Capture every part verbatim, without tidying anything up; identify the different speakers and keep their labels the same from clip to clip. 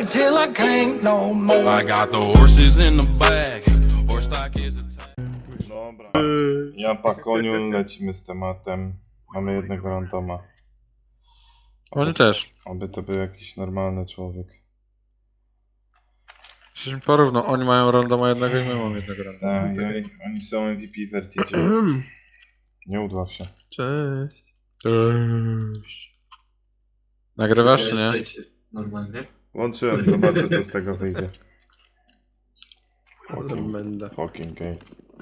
Speaker 1: till I can't no more.
Speaker 2: I got the horses in the back. Horse stock is a
Speaker 3: Dobra. Ja pa koniu, lecimy z tematem. Mamy jednego randoma.
Speaker 4: Oni też.
Speaker 3: Oby to był jakiś normalny człowiek.
Speaker 4: Przecież porówno, oni mają randoma jednego i my mamy jednego randoma.
Speaker 3: Tak, i oni, oni są M V P Vertidzie. Nie udław się.
Speaker 5: Cześć.
Speaker 4: Cześć. Nagrywasz czy nie?
Speaker 6: Jeszcze normalnie.
Speaker 3: Włączyłem, zobaczę co z tego wyjdzie. Fucking,
Speaker 5: Będę.
Speaker 3: fucking gay.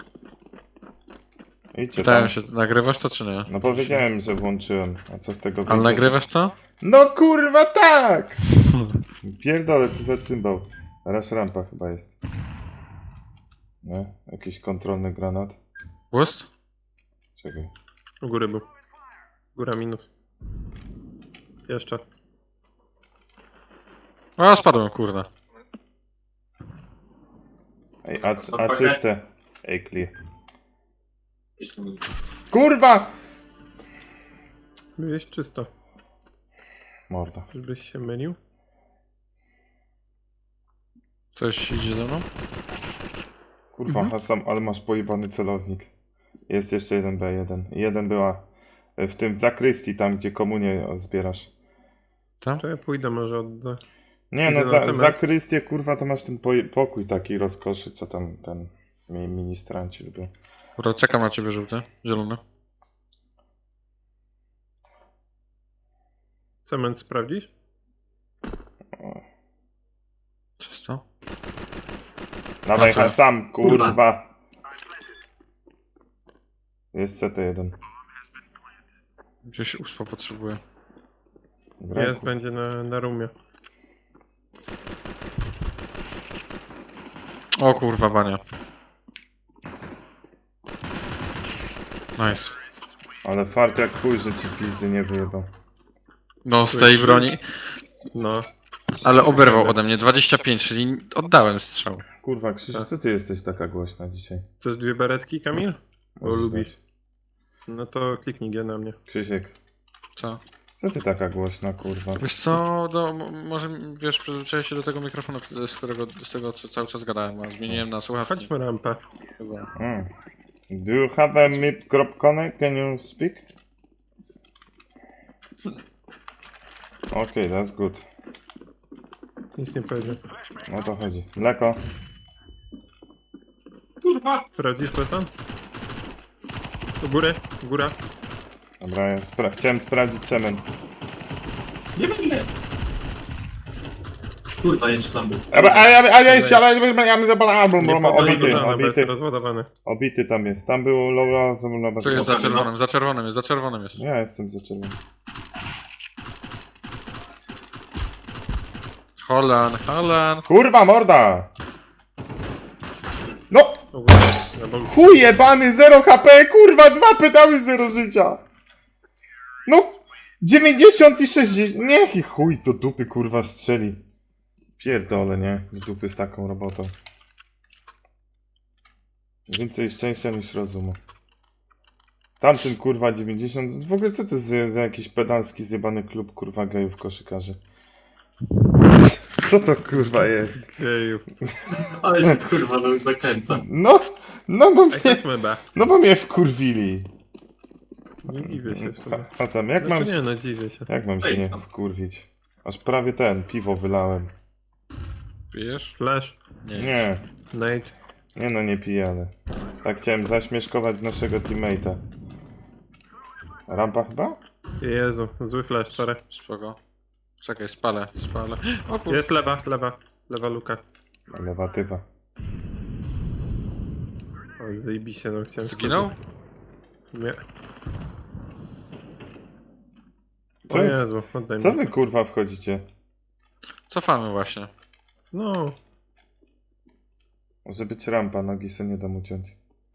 Speaker 3: Idźcie
Speaker 4: Pytałem
Speaker 3: tam.
Speaker 4: się, nagrywasz to czy nie?
Speaker 3: No powiedziałem, że włączyłem. A co z tego wyjdzie?
Speaker 4: Ale nagrywasz to?
Speaker 3: No kurwa tak! Pierdolę, co za cymbał. Teraz rampa chyba jest. Nie? Jakiś kontrolny granat.
Speaker 4: Boost?
Speaker 3: Czekaj.
Speaker 5: U góry był. Góra minus. Jeszcze.
Speaker 4: O, spadłem, kurde.
Speaker 3: Ej, a, a czyste. Ej, clear.
Speaker 6: Jestem...
Speaker 3: Kurwa!
Speaker 5: Byłeś czysto.
Speaker 3: Morda.
Speaker 5: Żebyś się mylił.
Speaker 4: Coś idzie ze mną?
Speaker 3: Kurwa,
Speaker 5: Mhm.
Speaker 3: Hasam, ale masz pojebany celownik. Jest jeszcze jeden B jeden. Jeden była w tym w zakrystii, tam gdzie komunię zbierasz.
Speaker 4: Tam?
Speaker 5: To ja pójdę może odda.
Speaker 3: Nie
Speaker 5: Idę
Speaker 3: no,
Speaker 5: na
Speaker 3: za,
Speaker 5: cement.
Speaker 3: zakrystię kurwa to masz ten poje- pokój taki rozkoszy, co tam ten mi- ministranci lubią.
Speaker 4: Dobra, czekam na ciebie żółty, zielony.
Speaker 5: Cement sprawdzisz?
Speaker 3: O.
Speaker 4: Czysto?
Speaker 3: Dawaj
Speaker 4: Dobra.
Speaker 3: Hasam,
Speaker 6: Kurwa.
Speaker 3: kurwa. Jest C T jeden.
Speaker 4: Gdzieś uspa potrzebuję.
Speaker 3: Dobra,
Speaker 5: Jest,
Speaker 3: kur-
Speaker 5: będzie na, na rumie.
Speaker 4: O kurwa, bania. Nice.
Speaker 3: Ale fart jak chuj, że ci pizdy nie wyjebał.
Speaker 4: No, z tej broni.
Speaker 5: No.
Speaker 4: Ale oberwał ode mnie dwadzieścia pięć, czyli oddałem strzał.
Speaker 3: Kurwa, Krzysiu, co ty jesteś taka głośna dzisiaj?
Speaker 5: Chcesz dwie beretki, Kamil? Bo
Speaker 3: Możesz
Speaker 5: lubisz.
Speaker 3: dać.
Speaker 5: No to kliknij G na mnie.
Speaker 3: Krzysiek,
Speaker 4: Co?
Speaker 3: co ty taka głośna, kurwa?
Speaker 4: Wiesz co, do, m- może wiesz, przyzwyczaiłeś się do tego mikrofonu, z którego, z tego co cały czas gadałem, a zmieniłem na słuchawki.
Speaker 5: Chodźmy rampę.
Speaker 4: Chyba.
Speaker 3: Mm. Do you have a mip crop connect? Can you speak? Okay, that's good.
Speaker 5: Nic nie powiedział.
Speaker 3: O to chodzi. Mleko.
Speaker 6: Kurwa!
Speaker 5: Sprawdzisz to tam? U góry, góra.
Speaker 3: Dobra, ja spra chciałem sprawdzić cement.
Speaker 6: Nie będę! Kurwa, jeszcze tam był.
Speaker 3: A ja, a ja, a ja, ale ja, ja,
Speaker 5: Nie
Speaker 3: obity,
Speaker 5: obity, bo jest
Speaker 3: obity,
Speaker 5: rozładowany.
Speaker 3: obity tam jest. Tam było lowa, to było lowa.
Speaker 4: Tu jest za czerwonym, za czerwonym jest, za czerwonym jest.
Speaker 3: Ja jestem za czerwonym.
Speaker 4: Holan, Holan.
Speaker 3: Kurwa morda! No!
Speaker 5: U góry. Na boku.
Speaker 3: Chuj jebany, zero H P, kurwa, dwa pedały, zero życia. No, dziewięćdziesiąt i sześćdziesiąt, niech i chuj do dupy, kurwa, strzeli. Pierdolę, nie? Do dupy z taką robotą. Więcej szczęścia niż rozumu. Tamten, kurwa, dziewięćdziesiąt, w ogóle co to jest za jakiś pedalski, zjebany klub, kurwa, gejów koszykarzy? Co to, kurwa, jest?
Speaker 5: Jeju.
Speaker 6: Ale się kurwa do- dokręca.
Speaker 3: No, no bo
Speaker 5: Ej,
Speaker 3: mnie,
Speaker 5: chodźmy B.
Speaker 3: no bo mnie wkurwili.
Speaker 5: Nie dziwię się w sumie.
Speaker 3: A sam, jak
Speaker 5: No
Speaker 3: mam,
Speaker 5: to nie, no dziwię się.
Speaker 3: jak mam się
Speaker 6: Ej,
Speaker 3: nie
Speaker 6: tam.
Speaker 3: wkurwić? Aż prawie ten, piwo wylałem.
Speaker 4: Pijesz?
Speaker 5: Flash.
Speaker 4: Nie.
Speaker 3: Nie,
Speaker 5: Nate.
Speaker 3: nie no nie piję, ale tak chciałem zaśmieszkować naszego teammate'a. Rampa chyba?
Speaker 5: Jezu, zły flash, sorry.
Speaker 4: Spoko. Czekaj, spalę, spalę. O kurwa.
Speaker 5: Jest lewa, lewa. Lewa luka.
Speaker 3: Lewa typa.
Speaker 5: O, zjebij się, no chciałem...
Speaker 4: Zginął?
Speaker 5: Nie.
Speaker 3: Co?
Speaker 5: O Jezu, oddaj
Speaker 3: Co
Speaker 5: mi.
Speaker 3: wy kurwa wchodzicie?
Speaker 4: Cofamy właśnie.
Speaker 5: No.
Speaker 3: Może być rampa, nogi se nie dam uciąć.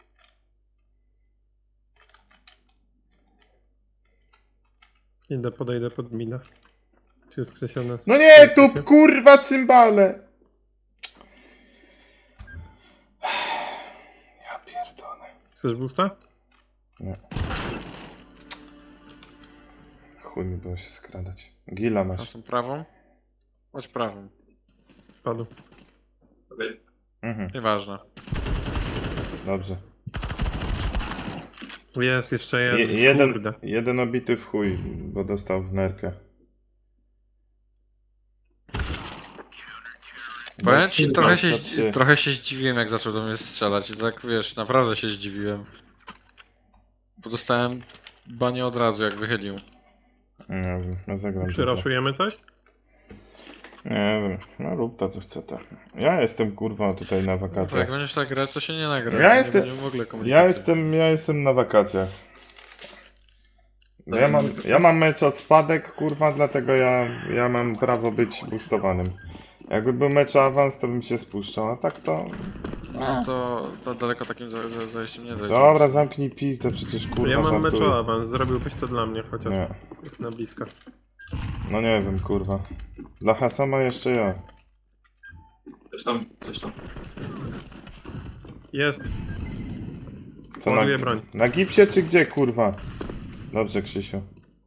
Speaker 5: Idę, podejdę pod mina. Czy jest skrzesione?
Speaker 3: No nie, tu kurwa cymbale! Ja pierdolę.
Speaker 5: Chcesz boosta?
Speaker 3: Nie. Chuj mi było się skradać. Gila masz.
Speaker 4: Naszą prawą? Chodź prawą.
Speaker 5: Spadł.
Speaker 3: Mhm,
Speaker 4: Nieważne.
Speaker 3: dobrze.
Speaker 5: Jest jeszcze
Speaker 3: Je,
Speaker 5: jeden.
Speaker 3: jeden,
Speaker 5: Kurde.
Speaker 3: jeden obity w chuj, bo dostał w nerkę.
Speaker 4: Powiem ci,
Speaker 3: No,
Speaker 4: trochę się,
Speaker 3: dwadzieścia trzy.
Speaker 4: trochę się zdziwiłem, jak zaczął do mnie strzelać. I tak wiesz, naprawdę się zdziwiłem. Bo dostałem banie od razu, jak wychylił.
Speaker 3: Nie wiem, ja zagram tylko.
Speaker 5: Przyraszujemy coś?
Speaker 3: Nie wiem, no rób to co chce to. Ja jestem kurwa tutaj na
Speaker 4: Jak
Speaker 3: wakacjach.
Speaker 4: będziesz tak grać, to się nie nagra.
Speaker 3: Ja
Speaker 4: nie
Speaker 3: jestem-
Speaker 4: będziemy w ogóle
Speaker 3: Ja
Speaker 4: komunikacji.
Speaker 3: jestem, ja jestem na wakacjach. Ja mam, ja mam mecz od spadek, kurwa, dlatego ja, ja mam prawo być boostowanym. Jakby był mecz o awans, to bym się spuszczał, a tak to...
Speaker 4: No to, to daleko takim za- za- zajściem nie dojdzie.
Speaker 3: Dobra, zamknij pizdę, przecież kurwa
Speaker 5: Ja mam mecz
Speaker 3: żartuję.
Speaker 5: o awans, zrobiłbyś to dla mnie chociaż.
Speaker 3: Nie,
Speaker 5: Jest na blisko.
Speaker 3: no nie wiem, kurwa. Dla Hasama jeszcze ja.
Speaker 6: Coś tam, coś tam.
Speaker 5: Jest.
Speaker 3: Co na,
Speaker 5: Ładuję broń.
Speaker 3: na gipsie czy gdzie, kurwa? Dobrze, Krzysiu.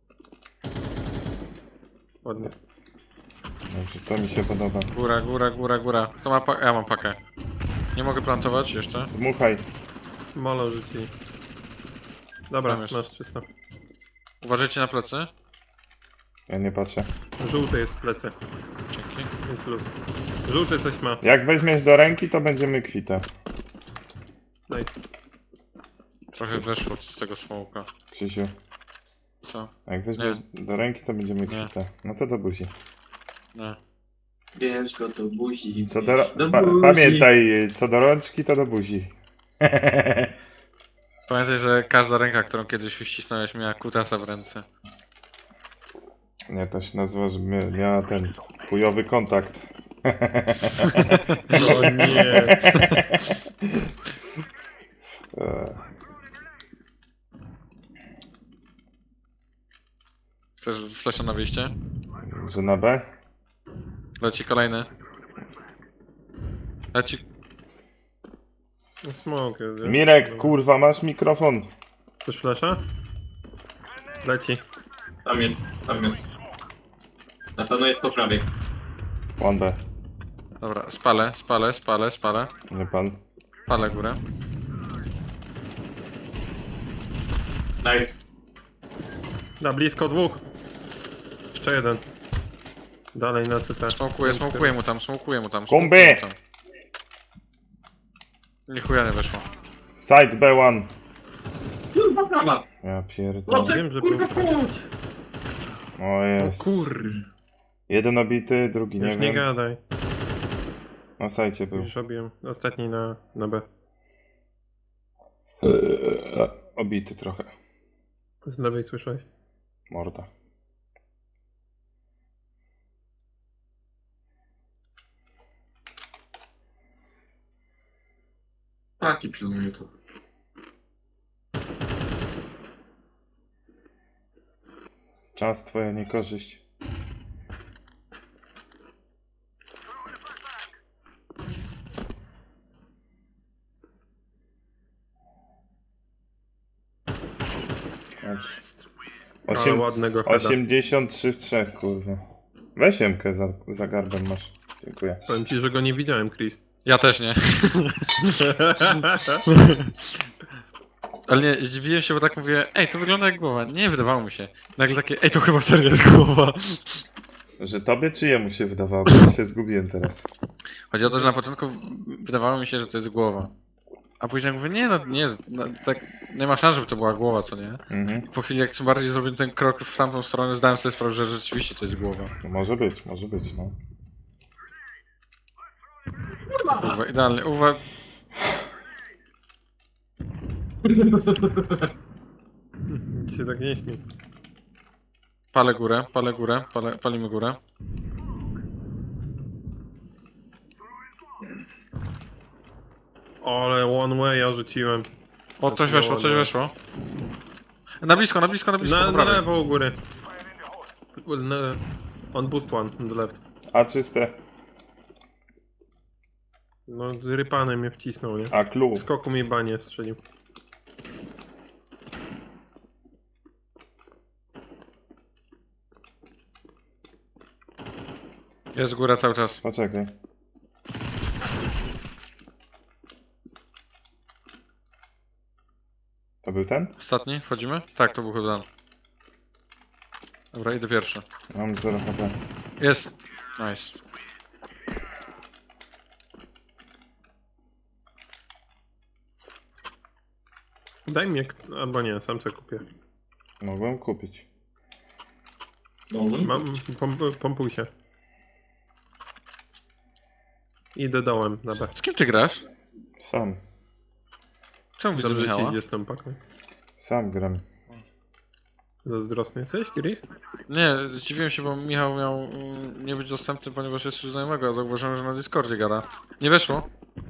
Speaker 5: Ładnie.
Speaker 3: Dobrze, to mi się podoba.
Speaker 4: Góra, góra, góra, góra. Kto ma pa- ja mam pakę. Nie mogę plantować jeszcze.
Speaker 3: Dmuchaj.
Speaker 5: Molo rzucili. Dobra,
Speaker 4: Tam jest.
Speaker 5: masz czysto.
Speaker 4: Uważajcie na plecy.
Speaker 3: Ja nie patrzę.
Speaker 5: Żółty jest w plecy.
Speaker 4: Dzięki.
Speaker 5: Jest plus. Żółty coś ma.
Speaker 3: Jak weźmiesz do ręki, to będziemy kwita.
Speaker 5: Daj.
Speaker 4: Trochę weszło z tego smoka.
Speaker 3: Krzysiu.
Speaker 4: Co?
Speaker 3: Jak weźmiesz do ręki, to będziemy
Speaker 4: Nie.
Speaker 3: kwita. No to do buzi.
Speaker 4: Nie.
Speaker 6: Bierz go do buzi.
Speaker 3: Co
Speaker 6: bierz
Speaker 3: do,
Speaker 6: do
Speaker 3: pa,
Speaker 6: buzi.
Speaker 3: pamiętaj, co do rączki, to do buzi.
Speaker 4: Pamiętaj, że każda ręka, którą kiedyś uścisnąłeś, miała kutasa w ręce.
Speaker 3: Nie, to się nazywa, że mia- miała ten chujowy kontakt.
Speaker 5: O nie.
Speaker 3: Eee,
Speaker 4: Chcesz flesza na wyjście?
Speaker 3: Że na B?
Speaker 4: Leci kolejny. Leci.
Speaker 5: Smoke jest, wiesz?
Speaker 3: Mirek, kurwa, masz mikrofon.
Speaker 5: Coś flasza? Leci.
Speaker 6: Tam jest, tam jest. Na pewno jest po prawej.
Speaker 3: One B.
Speaker 4: Dobra, spalę, spalę, spalę, spalę.
Speaker 3: Nie pan.
Speaker 4: Palę górę.
Speaker 6: Nice.
Speaker 5: Na blisko dwóch. Jeszcze jeden. Dalej na C T.
Speaker 4: Smokuję, smokuję mu tam, smokuję mu tam.
Speaker 3: Kombi!
Speaker 4: smokuję mu tam. Ni chuja nie weszło.
Speaker 3: Side B jeden.
Speaker 6: Kurwa prawa.
Speaker 3: Ja pierdolę.
Speaker 6: Chłopcze,
Speaker 5: wiem, że
Speaker 6: kurwa,
Speaker 5: był-
Speaker 6: chodź.
Speaker 3: O jest.
Speaker 6: Kur...
Speaker 3: Jeden obity, drugi nie
Speaker 5: Już nie
Speaker 3: wiem.
Speaker 5: gadaj.
Speaker 3: Na sajcie był.
Speaker 5: Już robiłem. Ostatni na, na B.
Speaker 3: Eee, Obity trochę.
Speaker 5: Z lewej słyszałeś?
Speaker 3: Morda.
Speaker 6: Taki pilnuje to.
Speaker 3: Czas twoja niekorzyść. Patrz.
Speaker 5: Ale
Speaker 3: Osiem,
Speaker 5: ładnego heada.
Speaker 3: osiemdziesiąt trzy w trzech, kurwa. Weź Jemkę za, za garbem masz. Dziękuję.
Speaker 5: Powiem ci, że go nie widziałem, Chris.
Speaker 4: Ja też nie. Ale nie, zdziwiłem się, bo tak mówię, ej, to wygląda jak głowa. Nie, wydawało mi się. Nagle takie, ej, to chyba serio jest głowa.
Speaker 3: Że tobie czy jemu się wydawało? Bo ja się zgubiłem teraz.
Speaker 4: Chodzi o to, że na początku wydawało mi się, że to jest głowa. A później mówię, nie no, nie jest, no, tak, nie ma szans, żeby to była głowa, co nie?
Speaker 3: Mhm.
Speaker 4: Po chwili, jak tym bardziej zrobiłem ten krok w tamtą stronę, zdałem sobie sprawę, że rzeczywiście to jest głowa.
Speaker 3: No może być, może być, no.
Speaker 4: Kurwa, idealnie. Uwa...
Speaker 5: Nikt się tak nie śmiej.
Speaker 4: Palę górę, palę górę, palę, palimy górę.
Speaker 5: Ale one way ja rzuciłem.
Speaker 4: O, coś weszło, coś weszło. Na blisko, na blisko, na blisko,
Speaker 5: Na,
Speaker 4: po
Speaker 5: na
Speaker 4: prawej.
Speaker 5: lewo u góry. Na, on boost one, on the left.
Speaker 3: A czyste.
Speaker 5: No, rypany mnie wcisnął, nie?
Speaker 3: A clue.
Speaker 5: W skoku mi banie strzelił.
Speaker 4: Jest góra cały czas.
Speaker 3: Poczekaj. był ten?
Speaker 4: Ostatni? Wchodzimy? Tak, to był chyba ten. Dobra, idę pierwszy.
Speaker 3: Mam zero H P.
Speaker 4: Jest! Nice.
Speaker 5: Daj mi, jak- albo nie, sam sobie kupię.
Speaker 3: Mogłem kupić.
Speaker 6: Mogłem?
Speaker 5: Mam, pomp, pompuj się. Idę dołem na B.
Speaker 4: Z kim ty grasz?
Speaker 3: Sam.
Speaker 4: Czemu widzę
Speaker 5: Dobrze ci
Speaker 4: Michała?
Speaker 5: idzie z tą paką.
Speaker 3: Sam gram.
Speaker 5: Zazdrosny jesteś, Gris?
Speaker 4: Nie, zdziwiłem się, bo Michał miał mm, nie być dostępny, ponieważ jest już znajomego, a zauważyłem, że na Discordzie gada. Nie weszło?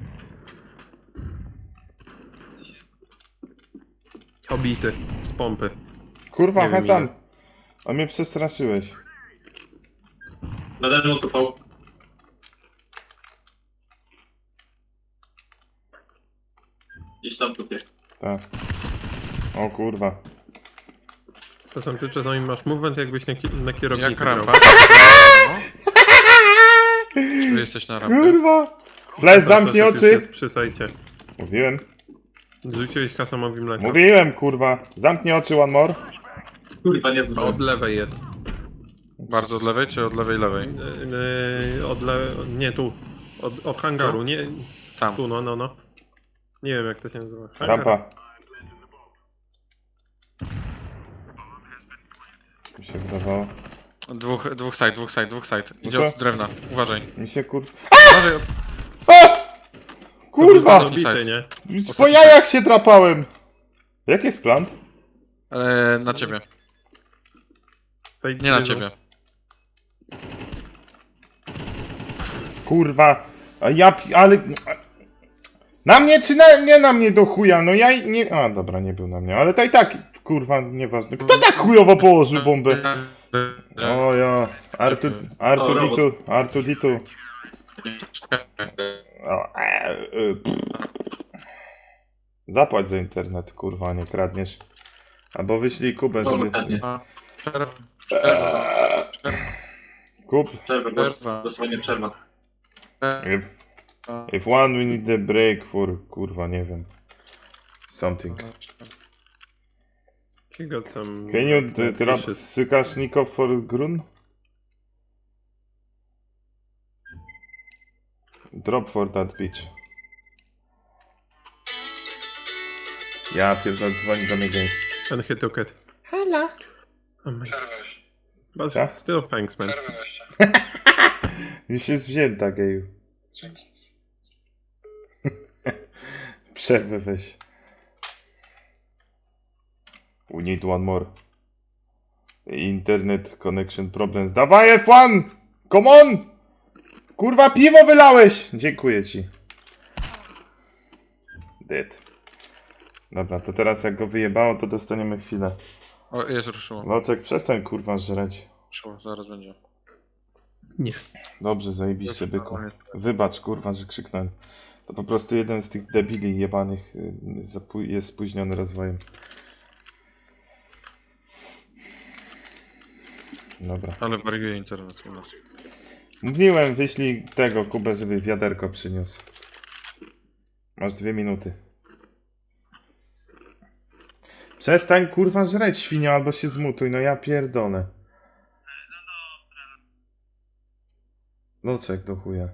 Speaker 5: Obity. Z pompy.
Speaker 3: Kurwa,
Speaker 5: Nie wiem
Speaker 3: Hasan!
Speaker 5: ile.
Speaker 3: A mnie przestraszyłeś.
Speaker 6: Nade mną tupał. Gdzieś tam tupie.
Speaker 3: Tak. O kurwa.
Speaker 5: Czasem ty czasami masz movement, jakbyś na, ki na
Speaker 4: Jak
Speaker 5: kierownicy
Speaker 4: rampa?
Speaker 5: grał.
Speaker 4: No. Czy wy jesteś na rampie?
Speaker 3: Kurwa! Flash, zamknij
Speaker 5: Czasem już
Speaker 3: oczy!
Speaker 5: jest przy sajcie.
Speaker 3: Mówiłem.
Speaker 5: Rzuciłeś Hasamowi mleko.
Speaker 3: Mówiłem, kurwa. Zamknij oczy, one more.
Speaker 6: Kurwa, nie
Speaker 5: Od
Speaker 6: zdążyłem.
Speaker 5: lewej jest.
Speaker 4: Bardzo od lewej, czy od lewej lewej?
Speaker 5: Yy, od le... Nie, tu. Od, od hangaru,
Speaker 4: Tu?
Speaker 5: nie...
Speaker 4: Tam.
Speaker 5: Tu, no, no, no. Nie wiem jak to się nazywa. Hangar.
Speaker 3: Rampa. Mi się wydawało.
Speaker 4: Dwóch, dwóch side, dwóch side, dwóch side. Idzie
Speaker 3: No to-
Speaker 4: od drewna. Uważaj.
Speaker 3: Mi się kur...
Speaker 4: Uważaj od...
Speaker 3: A! Kurwa!
Speaker 5: To był zabity, nie?
Speaker 3: Po jajach się drapałem! Jaki jest plan?
Speaker 4: E, na ciebie.
Speaker 5: Fake
Speaker 4: Nie na
Speaker 5: diesel.
Speaker 4: ciebie.
Speaker 3: Kurwa! A ja... pi- ale... Na mnie czy na... nie na mnie do chuja? No ja i nie... A, dobra, nie był na mnie, ale to i tak, kurwa, nieważne. Kto tak chujowo położył bombę? O ja... Artu... Artu Ditu... Artu Ditu... O, e, e, pff. Zapłać za internet, kurwa, nie kradniesz. Albo wyślij Kubę, żeby...
Speaker 6: Dokładnie.
Speaker 4: A, Przerwa. Przerwa.
Speaker 3: Kup.
Speaker 6: Przerwa, dos- dosłownie przerwa.
Speaker 3: If, if one we need the break for, kurwa, nie wiem. Something.
Speaker 5: You got some...
Speaker 3: Can you d- drop
Speaker 5: fishes.
Speaker 3: Sykasznikov for grun? Drop for that bitch. Ja pierdolę, dzwoni do mnie gej.
Speaker 5: And he took it.
Speaker 3: Halo.
Speaker 5: Oh my... But
Speaker 3: Co?
Speaker 5: still thanks, man.
Speaker 3: Już jest wzięta, geju. Przerwę weź. We need one more. Internet connection problems. Dawaj F jeden! Come on! Kurwa, piwo wylałeś! Dziękuję ci. Dead. Dobra, to teraz jak go wyjebało, to dostaniemy chwilę.
Speaker 4: O, jest, ruszyło.
Speaker 3: Locek, przestań kurwa żreć.
Speaker 4: Ruszyło, zaraz będzie.
Speaker 5: Nie.
Speaker 3: Dobrze, zajebiście byku. Wybacz kurwa, że krzyknąłem. To po prostu jeden z tych debili jebanych y, zapó- jest spóźniony rozwojem. Dobra.
Speaker 4: Ale wariuje internet u nas.
Speaker 3: Mówiłem, wyślij tego Kubę, żeby wiaderko przyniósł. Masz dwie minuty. Przestań kurwa żreć, świnio, albo się zmutuj, no ja pierdolę. Locek do chuja.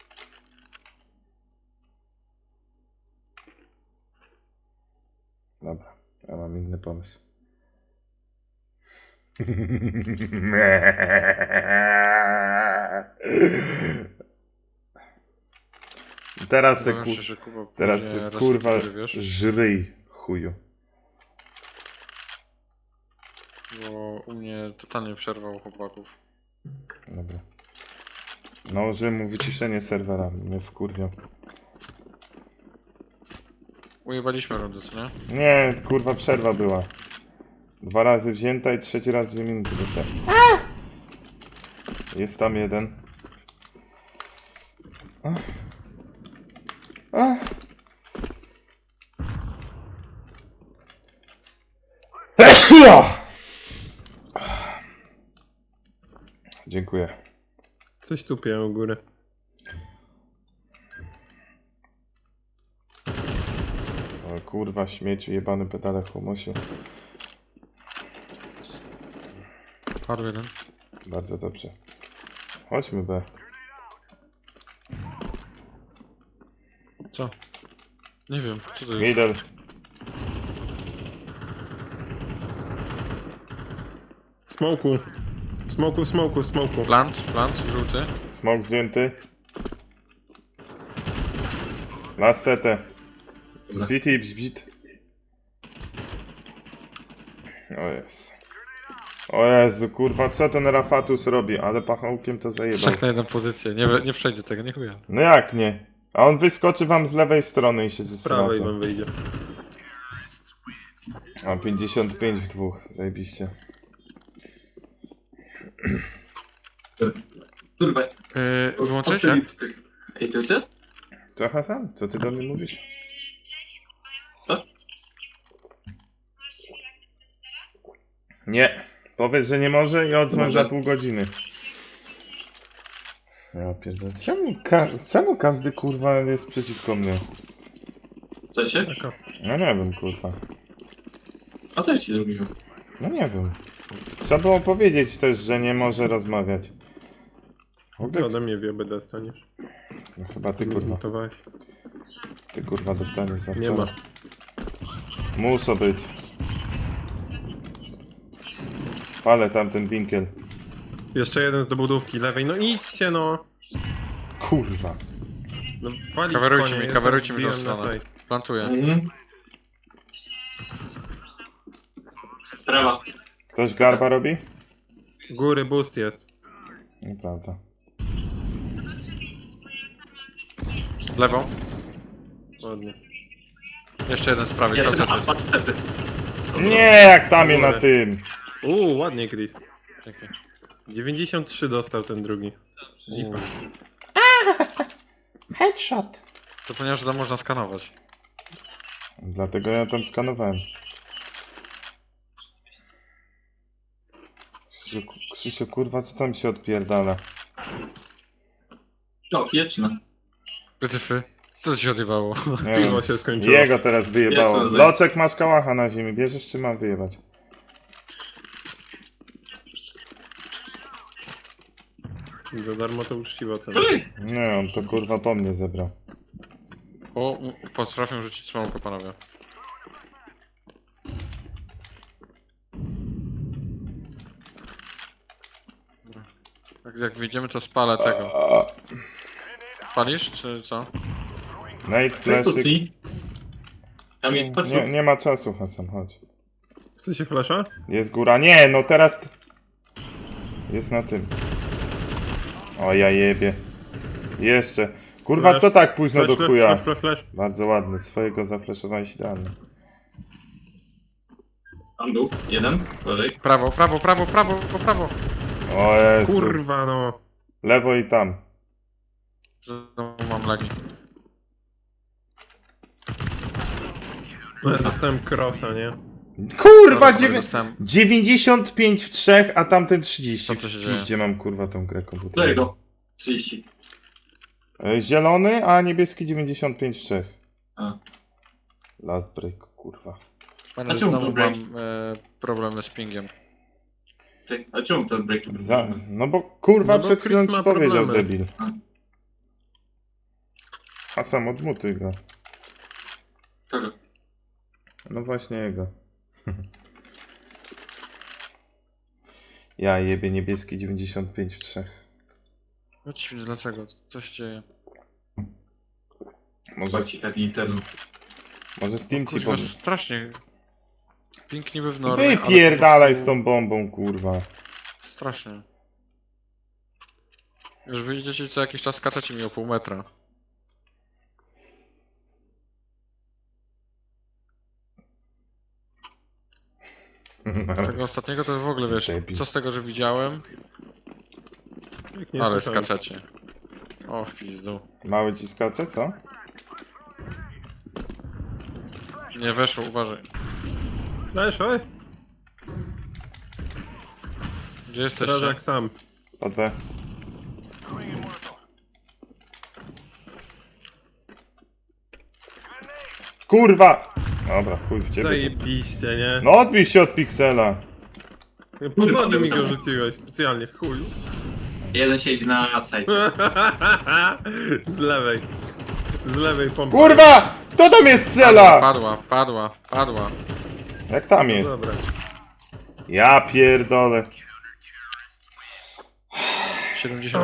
Speaker 3: Dobra, ja mam inny pomysł. Teraz se,
Speaker 4: Obawiam
Speaker 3: ku...
Speaker 4: się, że Kuba
Speaker 3: Teraz
Speaker 4: później
Speaker 3: se,
Speaker 4: raz
Speaker 3: kurwa
Speaker 4: cztery, wiesz?
Speaker 3: żryj chuju.
Speaker 4: Bo u mnie totalnie przerwał chłopaków.
Speaker 3: Dobra. Nałożyłem mu wyciszenie serwera, mnie wkurwiał.
Speaker 4: Ujebaliśmy rundę, co nie?
Speaker 3: Nie, kurwa przerwa była. Dwa razy wzięta i trzeci raz dwie minuty dostałem. Jest tam jeden. Ach. Ach. Dziękuję.
Speaker 5: Coś tupie u góry.
Speaker 3: O kurwa, śmieciu, jebany pedale humusiu.
Speaker 4: Padł jeden.
Speaker 3: Bardzo dobrze. Chodźmy B.
Speaker 4: Co? Nie wiem, co to jest?
Speaker 3: Middle.
Speaker 5: Smoku. Smoku, smoku, smoku.
Speaker 4: Plant, plant, żółty.
Speaker 3: Smoke zdjęty. Last setę. City bzbit. O jest. O Jezu, kurwa, co ten Rafatus robi? Ale pachołkiem to zajebał.
Speaker 4: Trzech na jedną pozycję. Nie, we- nie przejdzie tego, nie chuja.
Speaker 3: No jak nie? A on wyskoczy wam z lewej strony i się
Speaker 5: Z prawej
Speaker 3: zesracie.
Speaker 5: wam wyjdzie.
Speaker 3: A pięćdziesiąt pięć w dwóch, zajebiście.
Speaker 6: Kurwa.
Speaker 4: Yy, wyłączyłeś jak?
Speaker 6: Odkryć tych. Ej, ty też?
Speaker 3: To Hasan, co ty do mnie mówisz?
Speaker 6: Co?
Speaker 3: Nie. Powiedz, że nie może i odzwoń
Speaker 6: Może.
Speaker 3: za pół godziny. Ja pierdolę. Czemu, ka czemu każdy kurwa jest przeciwko mnie?
Speaker 6: Co się?
Speaker 5: Taka.
Speaker 3: No nie wiem, kurwa.
Speaker 6: A co ja ci zrobiłem?
Speaker 3: No nie wiem. Trzeba było powiedzieć też, że nie może rozmawiać. W
Speaker 5: Ty
Speaker 3: ogóle...
Speaker 5: ode mnie wiebę dostaniesz.
Speaker 3: No chyba ty
Speaker 5: Mnie
Speaker 3: kurwa.
Speaker 5: zmutowałeś.
Speaker 3: Ty kurwa dostaniesz za
Speaker 5: Nie
Speaker 3: wczoraj.
Speaker 5: ma.
Speaker 3: Muso być. Palę tamten winkiel.
Speaker 5: Jeszcze jeden z dobudówki lewej. No idźcie no!
Speaker 3: Kurwa.
Speaker 5: No walić
Speaker 4: Coverujcie
Speaker 5: konie,
Speaker 4: mi,
Speaker 5: ja
Speaker 4: coverujcie mi tą
Speaker 5: wbiłem na
Speaker 4: stronę.
Speaker 5: side.
Speaker 4: Plantuję.
Speaker 6: Mhm. Prawa.
Speaker 3: Ktoś garba robi?
Speaker 5: Góry boost jest.
Speaker 3: Nieprawda.
Speaker 4: Lewą.
Speaker 5: Ładnie.
Speaker 4: Jeszcze jeden z prawej,
Speaker 6: Ja
Speaker 4: cały
Speaker 6: ten
Speaker 4: czas jest.
Speaker 6: apad stety.
Speaker 3: Nie, jak tam je na tym.
Speaker 5: Uuu, ładnie Chris.
Speaker 4: Dzięki.
Speaker 5: dziewięćdziesiąt trzy dostał ten drugi. Lipa.
Speaker 3: Headshot.
Speaker 4: Zapomniałem, że tam można skanować.
Speaker 3: Dlatego ja tam skanowałem. Krzysiu, Krzysiu, kurwa, co tam się odpierdala?
Speaker 6: No, pieczne.
Speaker 4: Wytyfy. Co to się odjebało?
Speaker 3: Nie wiem.
Speaker 5: Piwo się skończyło.
Speaker 3: Jego teraz wyjebało.
Speaker 6: Jak co,
Speaker 3: Loczek, masz kałacha na ziemi. Bierzesz czy mam wyjebać?
Speaker 5: Za darmo to uczciwa cena.
Speaker 6: Ej!
Speaker 3: Nie, on to kurwa po mnie zebrał.
Speaker 4: O, m- potrafię rzucić smoke, panowie. Dobra. Jak, jak wyjdziemy, to spalę tego. Palisz, czy co?
Speaker 3: Nate, flashy.
Speaker 6: Egzekucji. Kamil, patrz
Speaker 3: Nie, nie ma czasu, Hasan, chodź.
Speaker 5: Chcecie flasha?
Speaker 3: Jest góra. Nie, no teraz... t- Jest na tym. O, ja jebie. Jeszcze. Kurwa,
Speaker 5: Flash.
Speaker 3: co tak późno
Speaker 5: Flash,
Speaker 3: do
Speaker 5: flash,
Speaker 3: chuja?
Speaker 5: flash, flash, flash.
Speaker 3: Bardzo ładny. Swojego zafleszowałeś idealnie.
Speaker 6: Tam był. Jeden. Dalej.
Speaker 4: Prawo, prawo, prawo, prawo, po prawo.
Speaker 3: O Jezu.
Speaker 5: Kurwa no.
Speaker 3: Lewo i tam.
Speaker 4: Znowu mam lagi.
Speaker 5: No, ja dostałem crossa, nie?
Speaker 3: Kurwa,
Speaker 4: Dobra,
Speaker 3: dziewię-
Speaker 4: dostałem-
Speaker 3: dziewięćdziesiąt pięć w trzech, a tamten trzydzieści.
Speaker 4: Co to się dzieje?
Speaker 3: Gdzie mam kurwa tą grę
Speaker 6: Dalej
Speaker 3: komputerową?
Speaker 6: go. trzydzieści.
Speaker 3: E, Zielony, a niebieski dziewięćdziesiąt pięć w trzech.
Speaker 6: A.
Speaker 3: Last break, kurwa.
Speaker 4: Panie,
Speaker 6: A czemu
Speaker 4: znowu
Speaker 6: to break?
Speaker 4: mam e, problemy z pingiem.
Speaker 6: Ej, a czemu to break?
Speaker 3: Za, no bo kurwa
Speaker 5: No bo
Speaker 3: przed chwilą
Speaker 5: Chris
Speaker 3: ci
Speaker 5: ma
Speaker 3: powiedział,
Speaker 5: problemy.
Speaker 3: debil.
Speaker 6: A.
Speaker 3: A sam odmutuj go.
Speaker 6: Kogo?
Speaker 3: No właśnie jego. Ja jebie niebieski dziewięćdziesiąt pięć w trzech.
Speaker 4: No dziwnie, dlaczego? Co się dzieje?
Speaker 3: Może,
Speaker 6: Chyba ci taki internet.
Speaker 3: może Steam ci
Speaker 4: Kurwa,
Speaker 3: powie.
Speaker 4: strasznie. Ping niby w normie, ale po
Speaker 3: Wypierdalaj z
Speaker 4: prostu
Speaker 3: tą bombą, kurwa.
Speaker 4: Strasznie. Już wyjdziecie co jakiś czas, skaczecie mi o pół metra. Tego ostatniego to w ogóle wiesz,
Speaker 3: Debil.
Speaker 4: co z tego, że widziałem,
Speaker 5: Jak nie
Speaker 4: ale
Speaker 5: słyszałem.
Speaker 4: skaczecie. O, w pizdu.
Speaker 3: Mały ci skacze, co?
Speaker 4: Nie weszło, uważaj.
Speaker 5: Flash, oj!
Speaker 4: Gdzie jesteście?
Speaker 5: Strażak sam.
Speaker 3: Pod B. Kurwa! Dobra, chuj w ciebie.
Speaker 5: Zajebiście, nie?
Speaker 3: No odbij się od piksela.
Speaker 5: Pod nogi mi go rzuciłeś specjalnie, chuj.
Speaker 6: Jeden siedzi na sajcie.
Speaker 5: Z lewej. Z lewej pompy.
Speaker 3: Kurwa! Kto do mnie strzela?
Speaker 4: Padła, padła, padła.
Speaker 3: Jak tam jest?
Speaker 5: Dobra.
Speaker 3: Ja pierdolę.
Speaker 4: siedemdziesiąt.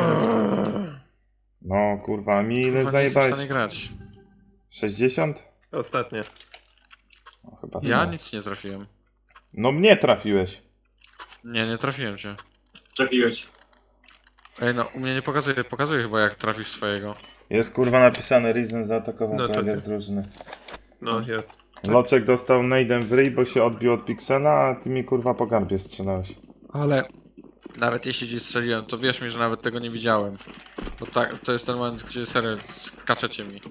Speaker 3: No kurwa, mi ile
Speaker 4: Chyba nie jestem w
Speaker 3: zajebałeś?
Speaker 4: stanie grać.
Speaker 3: sześćdziesiąt?
Speaker 5: Ostatnie.
Speaker 3: No, chyba
Speaker 4: Ja
Speaker 3: nie.
Speaker 4: nic nie trafiłem.
Speaker 3: No mnie trafiłeś.
Speaker 4: Nie, nie trafiłem cię.
Speaker 6: Trafiłeś.
Speaker 4: Ej, no u mnie nie pokazuje, pokazuje chyba jak trafisz swojego.
Speaker 3: Jest kurwa napisane Reason zaatakował
Speaker 5: No to
Speaker 3: kolegę
Speaker 5: ty.
Speaker 3: z drużyny.
Speaker 5: No, jest.
Speaker 3: Loczek dostał nade'em w ryj, bo się odbił od piksela, a ty mi kurwa po garbie strzelałeś.
Speaker 4: Ale nawet jeśli ci strzeliłem, to wierz mi, że nawet tego nie widziałem. Bo tak, to jest ten moment, gdzie serio skaczecie mi.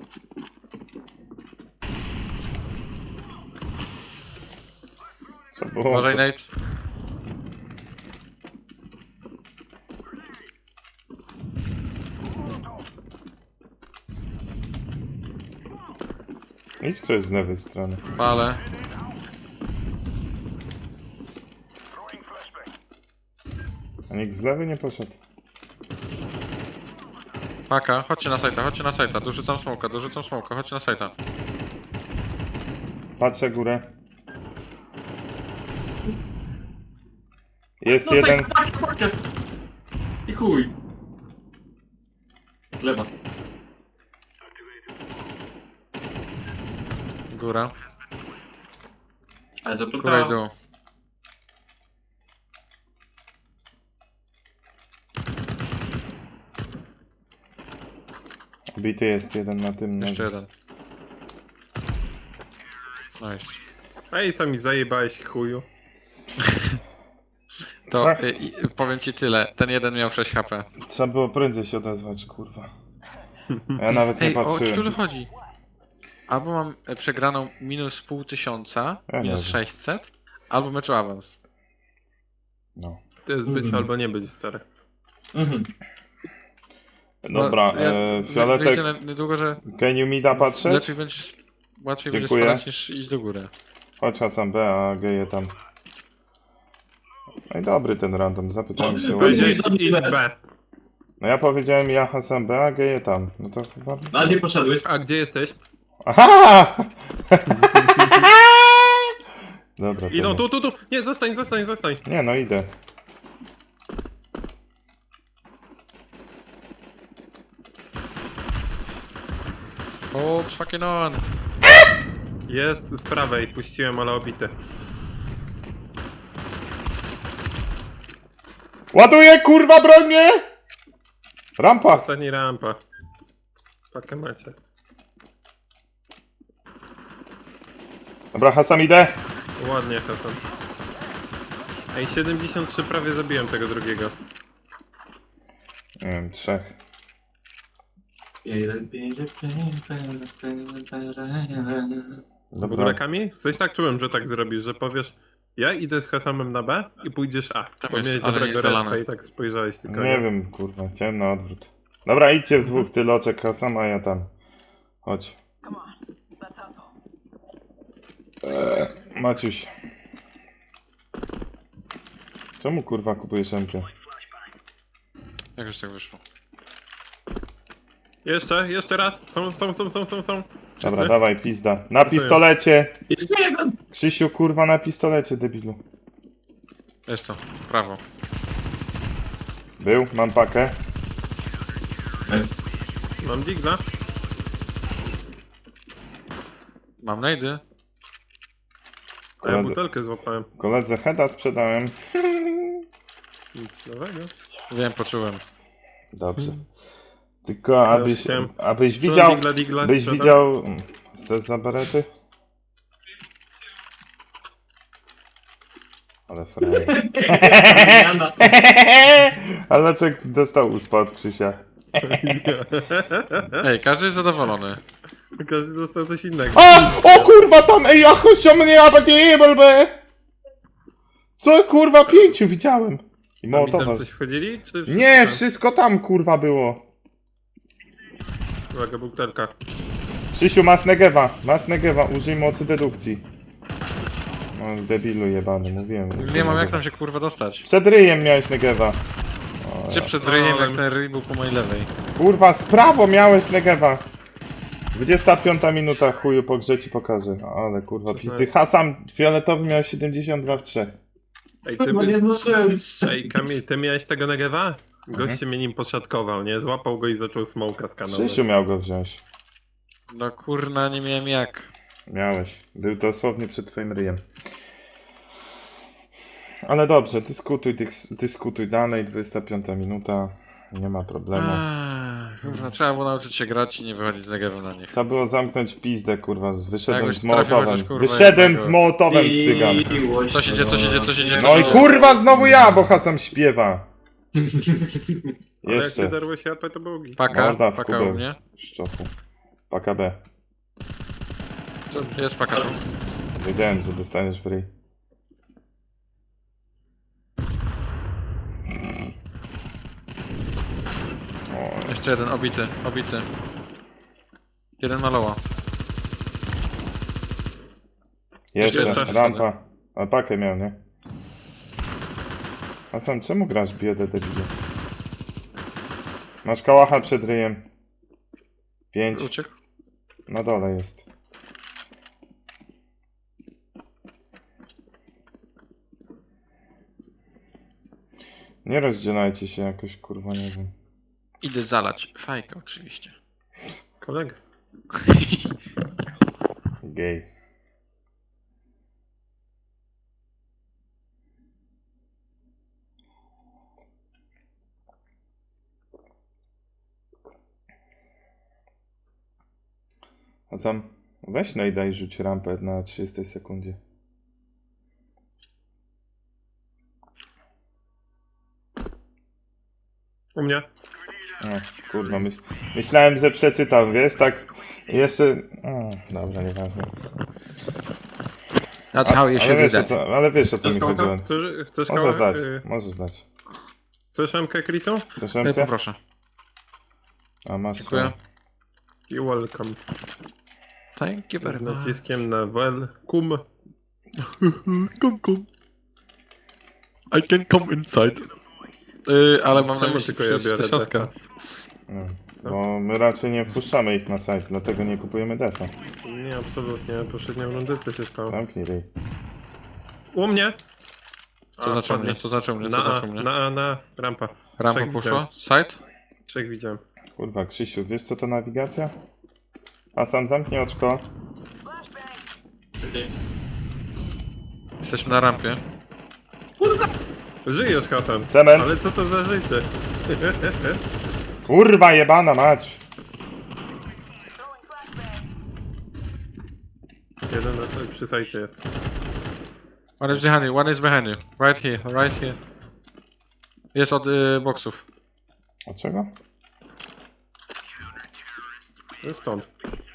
Speaker 3: Co było?
Speaker 4: Uważaj, Nate.
Speaker 3: Idź ktoś z lewej strony.
Speaker 4: Palę.
Speaker 3: A nikt z lewej nie poszedł.
Speaker 4: Paka, chodźcie na sajta, chodźcie na sajta. Dorzucam smoka, dorzucam smoka, chodźcie na sajta.
Speaker 3: Patrzę górę. Jest
Speaker 6: No
Speaker 3: jeden.
Speaker 6: sajcie, tak, tak. I chuj. Lewa.
Speaker 4: Góra.
Speaker 6: Ale to
Speaker 4: Góra i dół.
Speaker 3: Bity jest jeden na tym.
Speaker 4: Jeszcze
Speaker 3: na-
Speaker 4: jeden. Nice.
Speaker 5: Ej, sami zajebałeś, chuju.
Speaker 4: To
Speaker 3: Tak.
Speaker 4: y, y, powiem ci tyle, ten jeden miał sześć H P.
Speaker 3: Trzeba było prędzej się odezwać, kurwa. Ja nawet nie
Speaker 4: Ej, o
Speaker 3: patrzyłem.
Speaker 4: czulu chodzi? Albo mam e, przegraną minus pół tysiąca,
Speaker 3: Ja
Speaker 4: minus
Speaker 3: nie wiem.
Speaker 4: sześćset, albo meczu awans.
Speaker 3: No.
Speaker 5: To jest być
Speaker 6: Mhm.
Speaker 5: albo nie być, stary.
Speaker 6: Mhm.
Speaker 3: Dobra,
Speaker 4: No, ja-
Speaker 3: e,
Speaker 4: wy-
Speaker 3: Fioletek,
Speaker 4: wyjdzie na- niedługo, że
Speaker 3: can you mi da patrzeć?
Speaker 4: lepiej będziesz, łatwiej
Speaker 3: Dziękuję.
Speaker 4: będzie spadać niż iść do góry.
Speaker 3: Chodź Hasan B, a geje tam. No i dobry ten random, zapytałem się. ładnie.
Speaker 5: Powiedziałeś idź B.
Speaker 3: No ja powiedziałem ja Hasan B, a geje tam. No to chyba...
Speaker 6: Na gdzie poszedłeś?
Speaker 5: A gdzie jesteś?
Speaker 3: Aha! Dobra, to
Speaker 5: Idą
Speaker 3: nie.
Speaker 5: tu, tu, tu! Nie, zostań, zostań, zostań!
Speaker 3: Nie no, idę.
Speaker 4: O, fucking on!
Speaker 5: Jest z prawej, puściłem, ale obity.
Speaker 3: Ładuję, kurwa, broń mnie! Rampa!
Speaker 5: Ostatni rampa. Pakę macie.
Speaker 3: Dobra, Hasan idę.
Speaker 5: Ładnie, Hasan. Ej, siedemdziesiąt trzy prawie zabiłem tego drugiego.
Speaker 3: Nie wiem, trzech.
Speaker 5: W
Speaker 3: Dobra.
Speaker 5: ogóle Kami? Coś tak czułem, że tak zrobisz, że powiesz ja idę z Hasamem na B i pójdziesz A.
Speaker 4: Tam
Speaker 5: Bo
Speaker 4: jest,
Speaker 5: miałeś
Speaker 4: ale
Speaker 5: dobrego
Speaker 4: nie zalane.
Speaker 5: respa i tak spojrzałeś tylko.
Speaker 3: Nie wiem, kurwa, chciałem na odwrót. Dobra, idźcie w dwóch, ty Loczek, Hasan, a ja tam. Chodź. Eee, Maciuś. Czemu kurwa kupujesz M P?
Speaker 4: Jak już tak wyszło?
Speaker 5: Jeszcze, jeszcze raz. Są, są, są, są, są, są.
Speaker 3: Dobra,
Speaker 5: Wszyscy?
Speaker 3: dawaj, pizda. Na pistolecie!
Speaker 6: Jeszcze jeden.
Speaker 3: Krzysiu, kurwa, na pistolecie, debilu.
Speaker 4: Jest to, prawo.
Speaker 3: Był, mam pakę.
Speaker 6: Jest.
Speaker 5: Mam digla.
Speaker 4: Mam najdy.
Speaker 5: A ja
Speaker 3: Koledze,
Speaker 5: butelkę złapałem.
Speaker 3: koledze Heda sprzedałem.
Speaker 5: Nic nowego.
Speaker 4: Wiem, poczułem.
Speaker 3: Dobrze. Tylko abyś,
Speaker 5: chciałem-
Speaker 3: abyś
Speaker 5: Co,
Speaker 3: widział,
Speaker 5: digla, digla,
Speaker 3: byś
Speaker 5: sprzedam?
Speaker 3: widział... Chcesz za berety? Ale frajer.
Speaker 6: Jana.
Speaker 3: Ale Loczek dostał uspa od Krzysia.
Speaker 4: Ej, każdy jest zadowolony.
Speaker 5: Każdy dostał coś innego.
Speaker 3: A! O kurwa tam! Ej, ja chodź mnie, abadibelbe! Co kurwa, pięciu widziałem. I
Speaker 5: A mi
Speaker 3: Mołotowa.
Speaker 5: tam coś wchodzili? Czy
Speaker 3: Nie, wszystko tam kurwa było.
Speaker 5: Uwaga, butelka.
Speaker 3: Krzysiu, masz negewa, masz negewa, użyj mocy dedukcji. No, debilu jebany, mówiłem.
Speaker 4: Nie mam jak tam się kurwa dostać.
Speaker 3: Przed ryjem miałeś negewa.
Speaker 4: Gdzie przed ryjem, jak ten ryj był po mojej lewej?
Speaker 3: Kurwa, z prawo miałeś negewa. dwudziesta piąta minuta, chuju, po grze ci pokażę. No, ale kurwa, pizdy. Hasam fioletowy miał siedemdziesiąt dwa w trzech.
Speaker 5: Ej, ty,
Speaker 6: Chyba nie zdążyłem
Speaker 5: ej Kamil, ty miałeś tego Negewa? Goście mnie nim poszatkował, nie? Złapał go i zaczął smoka skanować.
Speaker 3: Krzysiu miał go wziąć.
Speaker 4: No kurna, nie miałem jak.
Speaker 3: Miałeś. Był dosłownie przed twoim ryjem. Ale dobrze, dyskutuj, dys, dyskutuj dalej, dwudziesta piąta minuta. Nie ma problemu.
Speaker 4: Ach, kurwa, trzeba było nauczyć się grać i nie wychodzić z negewem na nich.
Speaker 3: Trzeba było zamknąć pizdę, kurwa. z- Wyszedłem
Speaker 4: Jakbyś
Speaker 3: z
Speaker 4: trafił
Speaker 3: Mołotowem.
Speaker 4: chociaż, kurwa,
Speaker 3: Wyszedłem
Speaker 4: jednego.
Speaker 3: z Mołotowem, cygan.
Speaker 4: Co się dzieje, co się dzieje, co się dzieje?
Speaker 3: No i kurwa, znowu ja, bo Hasam śpiewa.
Speaker 5: Ale jak
Speaker 3: Jeszcze.
Speaker 5: się darło się A P, to był git.
Speaker 4: Paka,
Speaker 3: Morda w
Speaker 4: paka
Speaker 3: kubeł.
Speaker 4: u mnie.
Speaker 3: Szczopu. Paka B.
Speaker 4: Co? Jest paka tu.
Speaker 3: Wiedziałem, że dostaniesz w ryj. O,
Speaker 4: Jeszcze jeden, obity, obity. Jeden maloła.
Speaker 3: jeszcze,
Speaker 4: Jeszcze
Speaker 3: rampa. A pakę miał, nie? A sam czemu grasz biedę debilu? Masz kałacha przed ryjem. Pięć.
Speaker 4: Uciekł.
Speaker 3: Na dole jest. Nie rozdzielajcie się jakoś, kurwa, nie wiem.
Speaker 4: Idę zalać. Fajkę oczywiście.
Speaker 5: Kolega.
Speaker 3: Gej. A sam weź najdaj rzuć rampę na trzydziestej sekundzie.
Speaker 5: U mnie.
Speaker 3: O, kurwa, myśl, myślałem, że przeczytam, wiesz, tak jeszcze... O, dobra, nieważne.
Speaker 4: That's how you
Speaker 3: Ale
Speaker 4: should do
Speaker 3: wiesz, o
Speaker 4: that.
Speaker 3: co, ale wiesz o co mi
Speaker 6: Tylko
Speaker 3: chodziło.
Speaker 5: Chcesz, chcesz
Speaker 3: Możesz
Speaker 5: kawałek?
Speaker 3: dać,
Speaker 5: Y,
Speaker 3: możesz dać.
Speaker 5: Chcesz M K Chrisu?
Speaker 3: Chcesz
Speaker 4: Ej,
Speaker 3: rękę?
Speaker 4: poproszę.
Speaker 3: A masz
Speaker 4: Dziękuję.
Speaker 5: I welcome.
Speaker 4: Thank you very
Speaker 5: Z
Speaker 4: much.
Speaker 5: naciskiem na welcome.
Speaker 4: Come, come. I can come inside. Yy, ale mam na
Speaker 5: Czemu
Speaker 4: myśli
Speaker 5: tylko ja biorę
Speaker 4: tysiącka.
Speaker 5: defa?
Speaker 3: No, bo my raczej nie wpuszczamy ich na site, dlatego nie kupujemy defa.
Speaker 5: Nie, absolutnie. Poprzednią rundę co się stało?
Speaker 3: Zamknij ryj.
Speaker 5: U mnie!
Speaker 4: Co
Speaker 5: A,
Speaker 4: znaczy
Speaker 5: padnie.
Speaker 4: mnie, co znaczy mnie, co
Speaker 5: Na A,
Speaker 4: znaczy mnie?
Speaker 5: na A, na rampa.
Speaker 4: Rampa
Speaker 5: Trzech
Speaker 4: poszła? Side?
Speaker 5: Trzech widziałem.
Speaker 3: Kurwa, Krzysiu, wiesz co to nawigacja? A sam zamknij oczko.
Speaker 4: Jesteśmy na rampie.
Speaker 5: Żyjesz, Hasan.
Speaker 3: Cement.
Speaker 5: Ale co to za życie?
Speaker 3: Kurwa jebana mać!
Speaker 5: Jeden na sobie przy sajcie jest.
Speaker 4: One is behind you, one is behind you. Right here, right here. Jest od y, boksów.
Speaker 3: A czego?
Speaker 5: To jest stąd.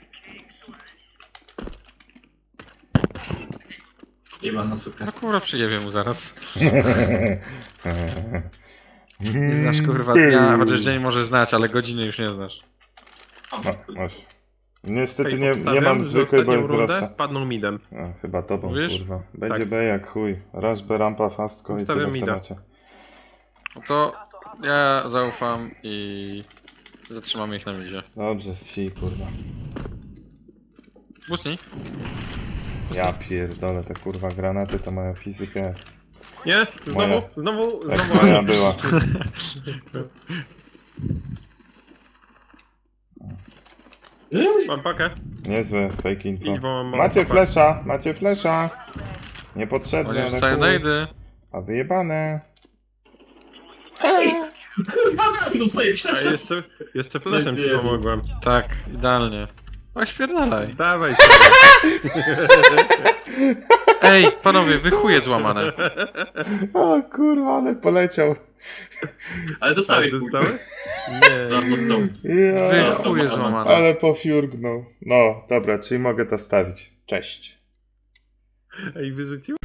Speaker 6: Jeba na super.
Speaker 4: No kurwa, przyjebie mu zaraz. Nie znasz kurwa dnia, chociaż dzień może znać, ale godziny już nie znasz.
Speaker 3: No, masz. Niestety
Speaker 5: Ej,
Speaker 3: nie, nie
Speaker 5: obstawiam,
Speaker 3: mam
Speaker 5: że
Speaker 3: zwykłej, bo
Speaker 5: ostatnią
Speaker 3: jest
Speaker 5: rundę
Speaker 3: droższa.
Speaker 5: padną midem.
Speaker 3: No, chyba tobą,
Speaker 4: Mówisz?
Speaker 3: kurwa. Będzie
Speaker 5: Tak.
Speaker 3: B jak chuj. Rush B, rampa, fastko i
Speaker 5: Obstawiam
Speaker 3: tyle w
Speaker 5: mida.
Speaker 3: temacie.
Speaker 4: No to ja zaufam i zatrzymamy ich na midzie.
Speaker 3: Dobrze, si, kurwa.
Speaker 4: Bustni?
Speaker 3: Ja pierdolę, te kurwa granaty to mają fizykę.
Speaker 5: Nie? Znowu?
Speaker 3: Moja.
Speaker 5: Znowu?
Speaker 3: Jak
Speaker 5: Znowu?
Speaker 3: moja była.
Speaker 5: Mam pakę.
Speaker 3: Niezłe fake info.
Speaker 5: Idź, bo mam
Speaker 3: Macie
Speaker 5: pakę.
Speaker 3: flesza, macie flesza.
Speaker 4: Oni
Speaker 3: Niepotrzebne, ale
Speaker 4: rzucają
Speaker 3: chuj.
Speaker 4: najdy.
Speaker 3: A wyjebane.
Speaker 6: Kurwa, tu twoje
Speaker 5: A
Speaker 6: przeszedł.
Speaker 5: jeszcze, jeszcze flashem ci
Speaker 6: Zjadł.
Speaker 5: pomogłem.
Speaker 4: Tak, idealnie. No śpierdalaj.
Speaker 5: Dawaj.
Speaker 4: Ej, panowie, wy chuje złamane.
Speaker 3: O kurwa, ale poleciał.
Speaker 6: Ale dostałeś
Speaker 5: Tak,
Speaker 6: kurwa.
Speaker 5: dostały? Nie.
Speaker 6: No, dostał.
Speaker 4: Wy
Speaker 3: Ja,
Speaker 4: chuje złamane.
Speaker 3: ale pofiurgnął. No, dobra, czyli mogę to wstawić. Cześć.
Speaker 5: Ej, wyrzucił?